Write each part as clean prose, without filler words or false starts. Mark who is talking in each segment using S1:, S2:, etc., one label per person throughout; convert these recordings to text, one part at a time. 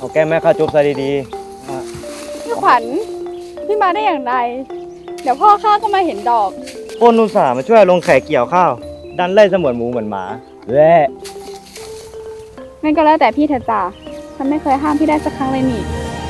S1: เอาแก้มแม่ข้าจุ๊บซะดี
S2: พี่ขวัญพี่มาได้อย่างไร เดี๋ยวพ่อข้าก็มาเห็นดอก
S1: ๆคนอุตส่าห์มาช่วยลงแขกเกี่ยวข้าว ดันไล่เสมือนหมูเหมือนหมาแหละ
S2: นั่นก็แล้วแต่พี่เถอะจ้ะฉันไม่เคยห้ามพี่ได้สักครั้งเลยนี่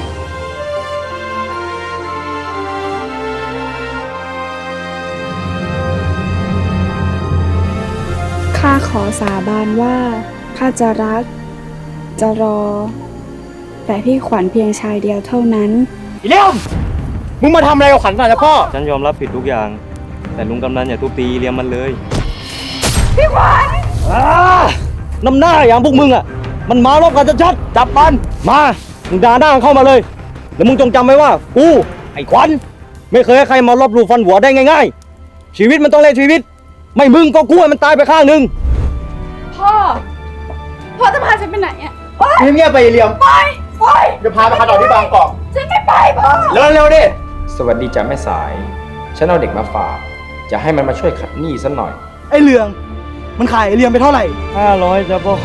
S2: ข้าขอสาบานว่าข้าจะรัก จะรอ แต่พี่ขวัญเพียงชายเดียวเท่านั้น
S3: อีเลี่ยมมึงมาทำอะไรกับขวัญก่อนนะพ่อ
S1: ฉันยอมรับผิดทุกอย่าง แต่ลุงกำนันอย่าทุบตีเลี้ยงมันเลย
S2: พี่ขวัญ
S1: น้ำหน้าอย่างพวกมึงอ่ะ มันมารบกันชัดๆจับมันมามึงด่าหน้าเข้ามาเลยแล้วมึงจงจำไว้ว่ากูไอ้ขวัญไม่เคยให้ใครมาลบหลู่ฟันหัวได้ง่ายๆชีวิตมันต้องเล่นชีวิต ไม่มึงก็กูให้มันตายไปข้างหนึ่ง
S2: พ่อจะพาฉันไปไหนอ่ะ
S3: เงียบๆไปอีเลี่ยม
S2: ไป
S3: จะพาไปคาดอกที่บางกอก
S2: ฉันไม่ไปพ่อ
S3: เร็วๆดิ
S4: สวัสดีจ้ะแม่สาย ฉันเอาเด็กมาฝาก จะให้มันมาช่วยขัดหนี้สักหน่อย
S5: ไอ้เหลือง มันขายไอ้เหลียมไปเท่าไหร่
S1: 500จ้ะพ่อ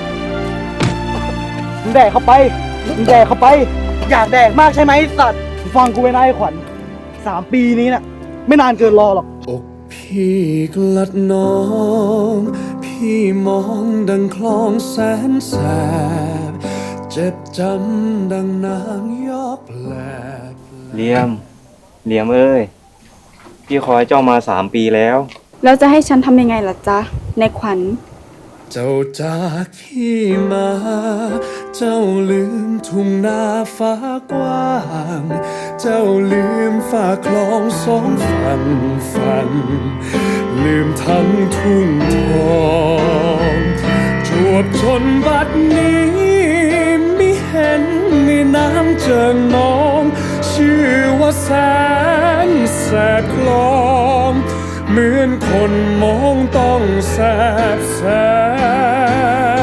S5: มึงแดกเข้าไป มึงแดกเข้าไป อยากแดกมากใช่ไหมไอ้สัตว์มึงฟังกูไว้นะไอ้ขวัญ3 ปีนี้น่ะ ไม่นานเกินรอหรอก
S6: อกพี่กลัดน้อง พี่มองดังคลองแสนแสบ เจ็บจำดังนางยอกแหลก
S1: เหลี่ยมเอ้ยพี่คอยเจ้ามา3 ปีแล้ว
S2: แล้วจะให้ฉันทำยังไงล่ะจ๊ะ ในขวัญ
S6: เจ้าจากพี่มา เจ้าลืมทุ่งนาฟ้ากว้าง เจ้าลืมฝ่าคลองสองฝั่ง ลืมทั้งทุ่งทองจวบจนบัดนี้มิเห็นมีน้ำเจิงนอง ชื่อว่าแสนแสบคลองเหมือนคนมองต้องแสบแสบ